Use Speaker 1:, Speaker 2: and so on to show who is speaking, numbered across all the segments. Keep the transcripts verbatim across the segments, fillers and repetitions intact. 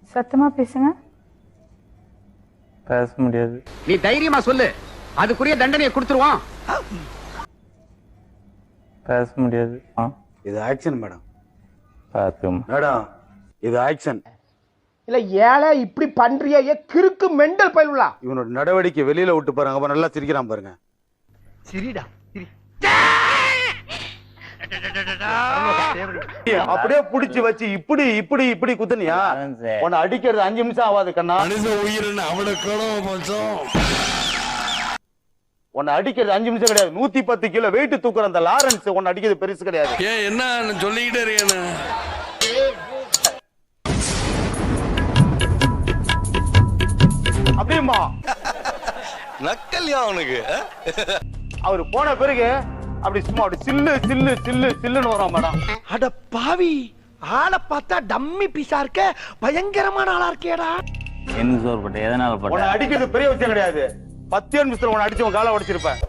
Speaker 1: சத்தமா பேசுங்க.
Speaker 2: பேச முடியாது.
Speaker 3: நீ தைரியமா சொல்லு, அதுக்குரிய தண்டனையை கொடுத்துருவான்.
Speaker 2: பேச முடியாது.
Speaker 4: இது ஆக்ஷன் மேடம்.
Speaker 2: பாத்துக்கோமா
Speaker 4: மேடம், இது ஆக்ஷன்
Speaker 5: இல்ல. ஏழை இப்படி பண்றிய கிறுக்கு மெண்டல் பயிலுலா.
Speaker 4: இவனோட நடவடிக்கை வெளியில விட்டு பாருங்க, அப்ப நல்லா சிரிக்கிறான் பாருங்க.
Speaker 5: சிரிடா
Speaker 4: அப்படியே புடிச்சு வச்சு இப்படி இப்படி இப்படி குத்துனியா, உன்னை அடிக்கிறது அஞ்சு நிமிஷம் ஆகாது கண்ணா. உன்னை அடிக்கிறது அஞ்சு நிமிஷம் கிடையாது, நூத்தி பத்து கிலோ வெயிட் தூக்குற அந்த லாரன்ஸ் உன்னை அடிக்கிறது பெருசு கிடையாது.
Speaker 6: ஏன் என்ன சொல்லிக்கிட்டே இருக்கேன்னு
Speaker 4: அப்படியுமா
Speaker 6: நக்கல்யா அவனுக்கு.
Speaker 4: அவரு போன பிறகு அப்படி சும்மா அப்படி சில்லு சில்லு சில்லு சில்லுன்னு வரும் மேடம்.
Speaker 5: அட பாவி, ஆளை பார்த்தா டம்மி பீஸா இருக்க, பயங்கரமான ஆளா இருக்கேடா.
Speaker 2: என்ன சோறு பட்ட எதனால
Speaker 4: உன்னை
Speaker 2: பட்ட
Speaker 4: அடிக்கிறது பெரிய விஷயம் கிடையாது, பத்து நிமிஷத்துல உன்னை அடிச்சு உன் காலை உடைச்சிருப்பேன்.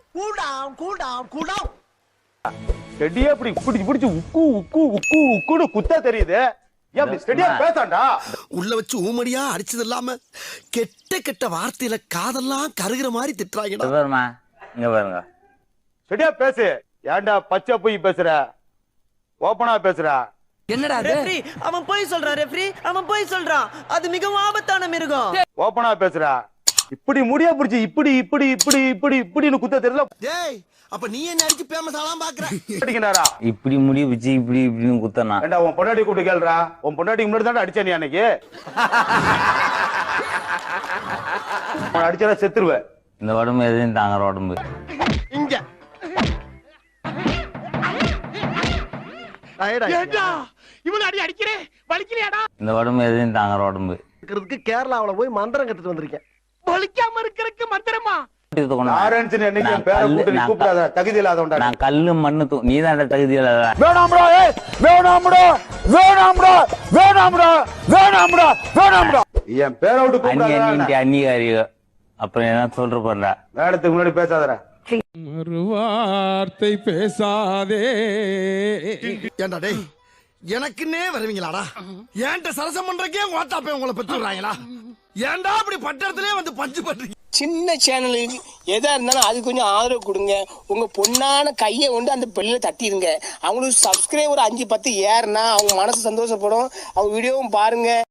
Speaker 4: ஸ்டெடியா இப்படி பிடிச்சு பிடிச்சு உக்கு உக்கு உக்கு உக்குன்னு குத்தா தெரியுது. ஏன் அப்படி ஸ்டெடியா பேசாண்டா?
Speaker 7: உள்ள வச்சு ஊமடியா அடிச்சது இல்லாம கெட்ட கெட்ட வார்த்தையில காதெல்லாம் கருகிற மாதிரி திட்டுறாங்க.
Speaker 2: பாருமா இங்க பாருங்க.
Speaker 4: ஸ்டெடியா பேசு. ஏன்டா பச்சை போய் பேசுற, ஓப்பனா பேசுற?
Speaker 8: என்னடா ரெஃப்ரி, அவன் போய் சொல்றான். ரெஃப்ரி, அவன் போய் சொல்றான். அது மிகவும் ஆபத்தான மிருகம்.
Speaker 4: ஓப்பனா பேசுற. இப்படி முடியா பிடிச்சி இப்படி இப்படி இப்படி இப்படி இப்படின்னு குத்த தெரியல.
Speaker 7: டேய், அப்ப நீ என்ன அடிச்சு பேமஸ் ஆலாம் பாக்குற?
Speaker 4: அடிக்கனாரா?
Speaker 2: இப்படி முடி வச்சு இப்படி இப்படின்னு குத்தனா.
Speaker 4: ஏண்டா உன் பொண்டாட்டி கூப்பிட்டு கேளுடா. உன் பொண்டாட்டிக்கு முன்னாடி தான் அடிச்சா நீ அன்னைக்கு. உன் அடிச்சா செத்துருவேன்.
Speaker 2: இந்த உடம்பு எதையும் தாங்குற உடம்பு.
Speaker 5: இங்க இவன் அடி அடிக்கிறே வலிக்கலையாடா?
Speaker 2: இந்த உடம்பு எதையும் தாங்குற உடம்பு.
Speaker 5: இருக்கிறதுக்கு கேரளாவுல போய் மந்திரம் கத்துட்டு வந்திருக்கேன். வலிக்காம இருக்கிறதுக்கு மந்திரமா?
Speaker 4: லாரன்ஸ் என்னைக்கு பேரை கூட்டி நீ கூப்பிடாத, தகுதி இல்லாதவன்டா.
Speaker 2: நான் கல்லு மண்ணு தூ நீ தான் தகுதி இல்லாத.
Speaker 4: வேணாம்டா, ஏய் வேணாம்டா, வேணாம்டா, வேணாம்டா, வேணாம்டா, வேணாம்டா. என் பேரை விட்டு
Speaker 2: அண்ணி
Speaker 4: கூப்பிடாத.
Speaker 2: அண்ணி அண்ணிகாரி. அப்புறம் என்ன சொல்ற போறா?
Speaker 4: மேடத்துக்கு முன்னாடி பேசாதடா.
Speaker 6: மறுவார்த்தை பேசாதே.
Speaker 7: ஏண்டா டேய், எனக்குன்னே வருவீங்களாடா? ஏன்ட்ட சரசம் பண்றக்கே ஓட்டாப்பே உங்களை பெற்றுறாங்களா? ஏன்டா அப்படி பட்டத்திலே வந்து பஞ்சு பண்றீங்க?
Speaker 9: சின்ன சேனலுக்கு எதா இருந்தாலும் அது கொஞ்சம் ஆதரவு கொடுங்க. உங்க பொண்ணான கையை கொண்டு அந்த பெல்லில தட்டிடுங்க. அவங்களுக்கு சப்ஸ்கிரைபர் அஞ்சு பத்து ஏறுனா அவங்க மனசு சந்தோஷப்படும். அவங்க வீடியோவும் பாருங்க.